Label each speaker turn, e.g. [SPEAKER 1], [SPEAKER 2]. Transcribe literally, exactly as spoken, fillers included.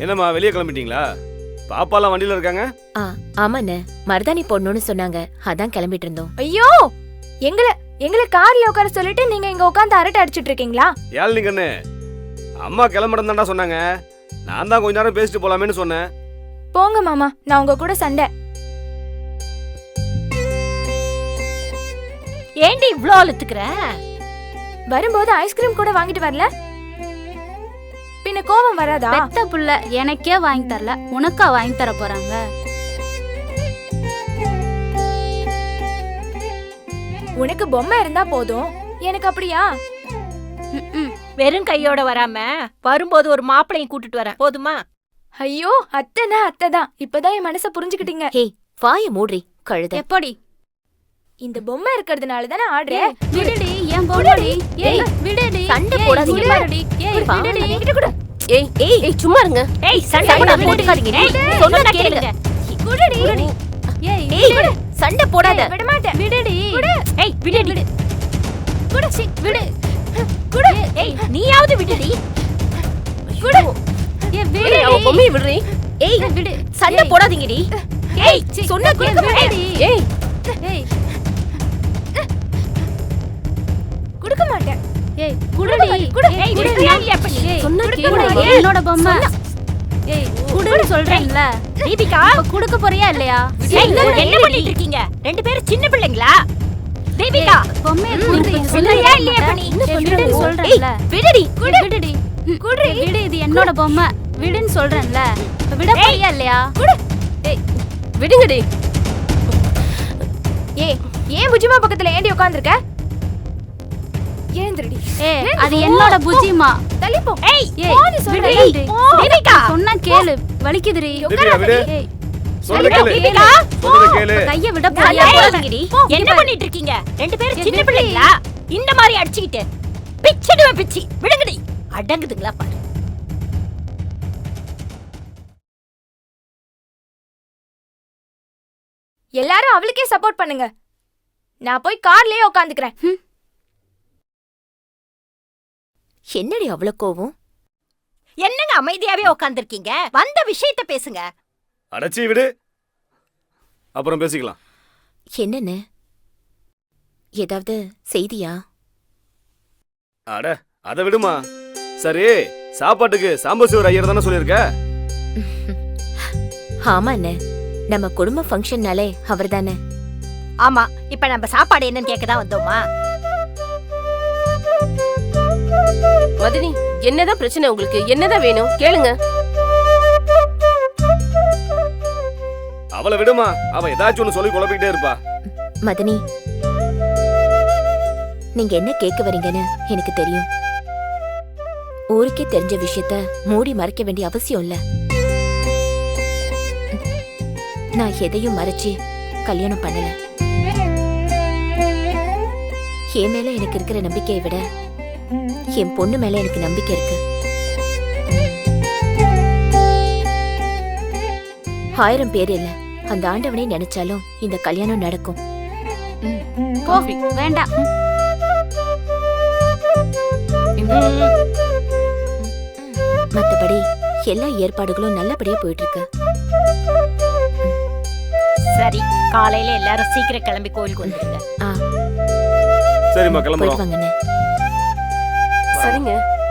[SPEAKER 1] என்னம்மா வெளியே கிளம்பிட்டீங்களா? பாப்பாலாம் வண்டியில இருக்காங்க?
[SPEAKER 2] ஆ ஆமாண்ணே, மருதாணி போடணும்னு சொன்னாங்க, அதான் கிளம்பிட்டு இருந்தோம்.
[SPEAKER 3] ஐயோ, எங்களை எங்களை கார்ல உட்கார சொல்லிட்டு நீங்க இங்க உட்காந்து அரட்டை அடிச்சிட்டு இருக்கீங்களா?
[SPEAKER 1] ஏழ்னிங்கன்னு அம்மா கிளம்புறேன் தான்டா சொன்னாங்க. நான் தான் கொஞ்ச நேரம் பேசிட்டு போலாமேன்னு சொன்னேன்.
[SPEAKER 3] போங்க மாமா, நான் உங்க கூட சண்டை.
[SPEAKER 4] ஏண்டி இவ்ளோ அழுத்துக்கிற?
[SPEAKER 3] வரும்போது ஐஸ்கிரீம் கூட வாங்கிட்டு வரல, பின்ன கோவம் வராதா?
[SPEAKER 5] பெத்த புள்ள எனக்கே வாங்கி தரல, உனக்கா வாங்கி தர போறாங்க?
[SPEAKER 3] உனக்கு பொம்மை இருந்தா போதும், எனக்கு அப்படியா?
[SPEAKER 4] வெறும் கையோட வராம வரும்போது ஒரு மாப்பிளையும் கூட்டிட்டு வர போதுமா?
[SPEAKER 3] ஐயோ, அத்தைனா அத்தைதான். இப்பதான் என் மனச புரிஞ்சுக்கிட்டீங்க.
[SPEAKER 2] ஹே, வாய மூடி கழுத.
[SPEAKER 5] எப்படி?
[SPEAKER 3] இந்த பொம்மை இருக்கிறதுனால தானே ஆடுறேன்.
[SPEAKER 5] விடுடி, ஏன் பொம்மைடி? ஏய் விடுடி,
[SPEAKER 2] சண்டை போடாதீங்க.
[SPEAKER 5] விடுடி. ஏய் விடுடி.
[SPEAKER 3] என்கிட்ட கூட
[SPEAKER 2] ஏய் ஏய் ஏய் சும்மா இருங்க.
[SPEAKER 4] ஏய் சண்டை போடாதீங்க.
[SPEAKER 2] ஏய் சொன்னா கேளுங்க.
[SPEAKER 3] குடுடி.
[SPEAKER 5] ஏய்
[SPEAKER 2] ஏய் சண்டை போடாத.
[SPEAKER 3] விட மாட்டேன்.
[SPEAKER 5] விடுடி.
[SPEAKER 4] ஏய் விடுடி.
[SPEAKER 5] குடு சி விடு.
[SPEAKER 3] குடு.
[SPEAKER 4] ஏய் நீயாவது விடுடி.
[SPEAKER 3] குடு.
[SPEAKER 5] ஏய்
[SPEAKER 2] ஏய்
[SPEAKER 5] விடுடி.
[SPEAKER 2] அவ பொம்மி விடுறீ. ஏய்
[SPEAKER 5] விடு.
[SPEAKER 2] சண்டை போடாதீங்கடி.
[SPEAKER 4] ஏய்
[SPEAKER 2] சொன்னா கேளுங்க.
[SPEAKER 5] விடுடி.
[SPEAKER 2] ஏய்
[SPEAKER 5] ஏய்
[SPEAKER 3] குடுக்க மாட்டேன்.
[SPEAKER 5] ஏய் குடுடி.
[SPEAKER 3] குடு.
[SPEAKER 4] ஏய்
[SPEAKER 5] குடு.
[SPEAKER 4] விடுறியா பண்ணி?
[SPEAKER 5] ஏய்
[SPEAKER 2] சொன்னா
[SPEAKER 5] குடு.
[SPEAKER 2] கேளுங்க.
[SPEAKER 5] என்னோட பொம்மை. ஏய் குடுன்னு சொல்றேன்ல.
[SPEAKER 4] தீபிகா
[SPEAKER 5] இப்ப குடுக்க போறியா இல்லையா?
[SPEAKER 4] ஏய் என்ன பண்ணிட்டு இருக்கீங்க? ரெண்டு பேரும் சின்ன பிள்ளைங்களா? தீபிகா
[SPEAKER 5] பொம்மையை
[SPEAKER 2] ம்,
[SPEAKER 5] குடுறீ.
[SPEAKER 4] சொல்றியா இல்லையா பண்ணி?
[SPEAKER 5] விடுன்னு
[SPEAKER 2] ஏய்
[SPEAKER 5] சொல்றேன்ல.
[SPEAKER 2] விடுடி.
[SPEAKER 5] விடு விடுடி. குடு. விடு, இது என்னோட பொம்மை. விடுன்னு சொல்றேன்ல. இப்ப விட போறியா இல்லையா?
[SPEAKER 2] ஏய் விடுங்கடி.
[SPEAKER 3] ஏய், ஏன் புஜிமா பக்கத்துல ஏண்டி உட்கார்ந்திருக்க? எழுந்திருடி.
[SPEAKER 5] ஏய் அது என்னோட புஜிமா.
[SPEAKER 3] தள்ளி போ.
[SPEAKER 4] ஏய்
[SPEAKER 5] ஏய்
[SPEAKER 3] போடி சொல்றேன்.
[SPEAKER 5] விடுடி.
[SPEAKER 4] தீபிகா
[SPEAKER 5] சொன்னா கேளு, வலிக்குதுடி.
[SPEAKER 1] தீபிகா விடு.
[SPEAKER 5] ஏய்
[SPEAKER 1] சொல்றத கேளு.
[SPEAKER 4] தீபிகா
[SPEAKER 1] சொல்றத கேளு.
[SPEAKER 5] கைய விட
[SPEAKER 4] ஏய்,
[SPEAKER 5] போறியா?
[SPEAKER 2] போடாதீங்கடி.
[SPEAKER 4] என்ன பண்ணிட்டு இருக்கீங்க? ரெண்டு பேரும்
[SPEAKER 5] ஏய்,
[SPEAKER 4] சின்ன
[SPEAKER 5] விடுடி.
[SPEAKER 4] பிள்ளைங்களா? இந்த மாதிரி அடிச்சிட்டு பிச்சிடுவேன் பிச்சி. விடுங்கடி. அடங்குதுங்களா பாரு.
[SPEAKER 3] எல்லாரும் அவளுக்கே சப்போர்ட் பண்ணுங்க. நான் போய் கார்லயே உட்காந்துக்கிறேன்.
[SPEAKER 2] என்னடி அவ்வளவு கோவம்?
[SPEAKER 4] என்னங்க அமைதியாவே உட்கார்ந்திருக்கீங்க? வந்த விஷயத்த பேசுங்க.
[SPEAKER 1] அடச்சி விடு, அப்புறம் பேசிக்கலாம்.
[SPEAKER 2] என்னன்னு ஏதாவது செய்தியா?
[SPEAKER 1] அட அத விடுமா. சரி, சாப்பாட்டுக்கு சாம்பசிவர் ஐயர் தானே சொல்லியிருக்க?
[SPEAKER 2] ஆமா அண்ணே, நம்ம குடும்ப ஃபங்க்ஷன்னாலே அவர் தானே.
[SPEAKER 4] ஆமா, இப்ப நம்ம சாப்பாடு என்னன்னு கேட்கதான் வந்தோமா?
[SPEAKER 6] மதினி, என்னதான் பிரச்சனை உங்களுக்கு? என்னதான் வேணும் கேளுங்க.
[SPEAKER 1] அவளை விடுமா, அவ ஏதாச்சும் ஒண்ணு சொல்லி குழப்பிக்கிட்டே இருப்பா.
[SPEAKER 2] மதனி, நீங்க என்ன கேட்க வரீங்கன்னு எனக்கு தெரியும். ஊருக்கே தெரிஞ்ச விஷயத்த மூடி மறைக்க வேண்டிய அவசியம் இல்ல. நான் எதையும் மறைச்சு கல்யாணம் பண்ணல. என் மேல எனக்கு இருக்கிற நம்பிக்கையை விட என் பொண்ணு மேல எனக்கு நம்பிக்கை இருக்கு. ஆயிரம் பேர் இல்ல, அந்த ஆண்டவனை நினைச்சாலும் இந்த கல்யாணம் நடக்கும்.
[SPEAKER 5] காஃபி வேண்டாம்.
[SPEAKER 2] மத்தபடி எல்லா ஏற்பாடுகளும் நல்லபடியா போயிட்டு இருக்கு.
[SPEAKER 4] சரி, காலையில எல்லாரும் சீக்கிரம் கிளம்பி கோயிலுக்கு வந்துருங்க.
[SPEAKER 2] ஆ
[SPEAKER 1] சரிம்மா,
[SPEAKER 2] போயிட்டு
[SPEAKER 1] கிளம்புறோம்.
[SPEAKER 2] வாங்கண்ணே.
[SPEAKER 6] சரிங்க.